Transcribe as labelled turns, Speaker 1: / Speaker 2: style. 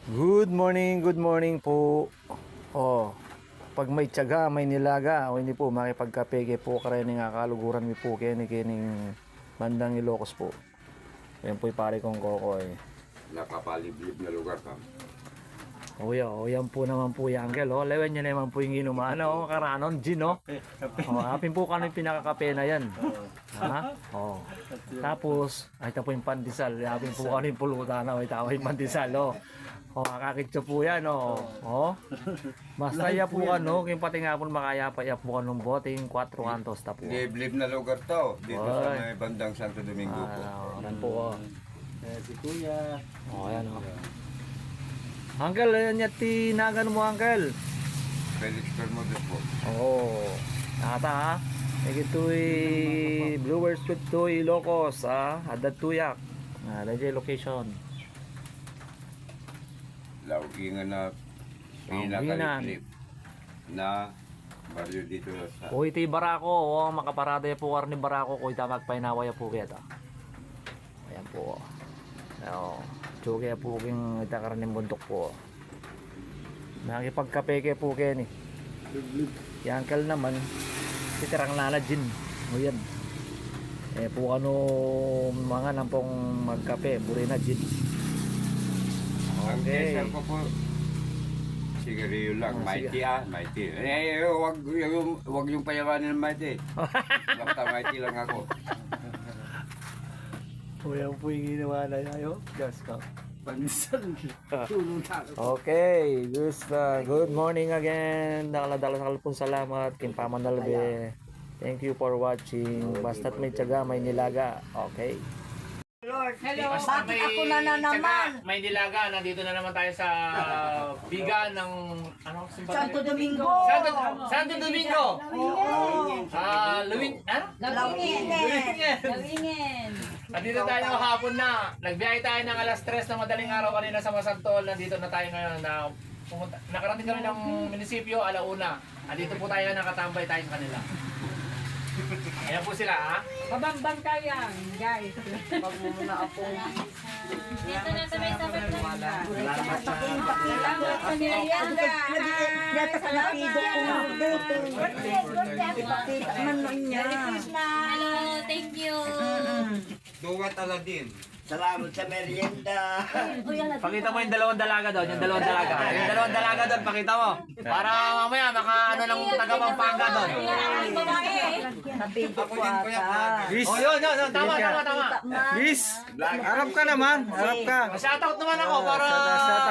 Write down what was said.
Speaker 1: Good morning po. Oh, pag may tiyaga, may nilaga, o hindi po makipagkapege po karene nga kaluguran mi po kining bandang Ilocos po. Yan po pare kong Kokoy.
Speaker 2: Napapaliblib na lugar pa.
Speaker 1: Yan po naman po yung uncle. Oh, lewen niya naman po yung inuman. Oh, karanon, gin, oh. Oh, hapin po kano yung pinakakape na yan. Ha? Oh. Tapos, ay ito po yung pandesal. Hapin po kano yung pulutan. Oh, ito yung pandesal, oh. Oh, kakakitso po yan, oh. Oh. Basta ya po kano, kung pati nga po makaya pa ya po kanong bote, yung 4 kantos ta po.
Speaker 2: Liblib na lugar to. Dito sa may bandang Santo Domingo po.
Speaker 1: Yan po, oh.
Speaker 3: Si Kuya.
Speaker 1: Oh, ayan, oh. Uncle, yan yung tinagan mo, Uncle.
Speaker 2: Felix Bermudez po.
Speaker 1: Oo. Nakata ha. Ito'y Brewers with Toy Ilocos ha. Adat Tuyak. Lagay location.
Speaker 2: Laugingan na
Speaker 1: Laugingan.
Speaker 2: pinakaliblib na baryo dito sa...
Speaker 1: O ito'y Barako. O makaparada po kar ni Barako. Kung itamag painawaya po kita. Ayan po. O. Tsugi po king itakar ng bundok po. Nakipagkapeke po ken eh. Yung uncle naman titirang lalajin. O yan. Eh po ano mga nampong magkape. Buri na gin.
Speaker 2: Ang
Speaker 1: Okay.
Speaker 2: desal ko po, sigarilyo lang.
Speaker 1: Oh,
Speaker 2: Mighty mighty. Wag yung payawanin ng mighty. Basta mighty lang ako.
Speaker 1: O yan po yung ginawa na tayo. Just ka.
Speaker 3: Pansan. Tulong tayo.
Speaker 1: Okay, good morning again. Dala-dala sa kalpong salamat. Kimpaman Nalbe. Thank you for watching. Basta't may tiyaga, may nilaga. Okay.
Speaker 4: Hello, bakit ako na naman?
Speaker 1: May nilaga. Nandito na naman tayo sa biga ng ano?
Speaker 4: Santo Domingo.
Speaker 1: Santo Domingo. Lawingin.
Speaker 4: Lawingin.
Speaker 1: Nandito tayo hapon na. Nagbiyahe tayo ng alas 3 na madaling araw kanina sa Masantol. Nandito na tayo ngayon na nakarating kami ng munisipyo alauna. Nandito po tayo nakatambay tayo sa kanila. Ayan po sila ha.
Speaker 4: Pabambang tayo yan, guys.
Speaker 3: Pag muna ako.
Speaker 4: Dito na sa may sabat na.
Speaker 3: Salamat sa...
Speaker 4: Salamat sa niyayanda.
Speaker 5: Dito ka napido ko dito. Ipakita man nun niya.
Speaker 4: Hello, thank you.
Speaker 2: Duwat Aladin.
Speaker 3: Salamat sa merienda.
Speaker 1: Pakita mo yung dalawang dalaga doon, yung dalawang dalaga. Yung dalawang dalaga doon, pakita mo. Para mamaya maka ano ng taga Pampanga doon.
Speaker 5: Napido
Speaker 2: Ako
Speaker 5: ko
Speaker 2: din kuya.
Speaker 5: ata.
Speaker 1: Oh, yun, tama.
Speaker 5: Man.
Speaker 1: Liz, harap ka naman, harap ka. Shoutout naman ako para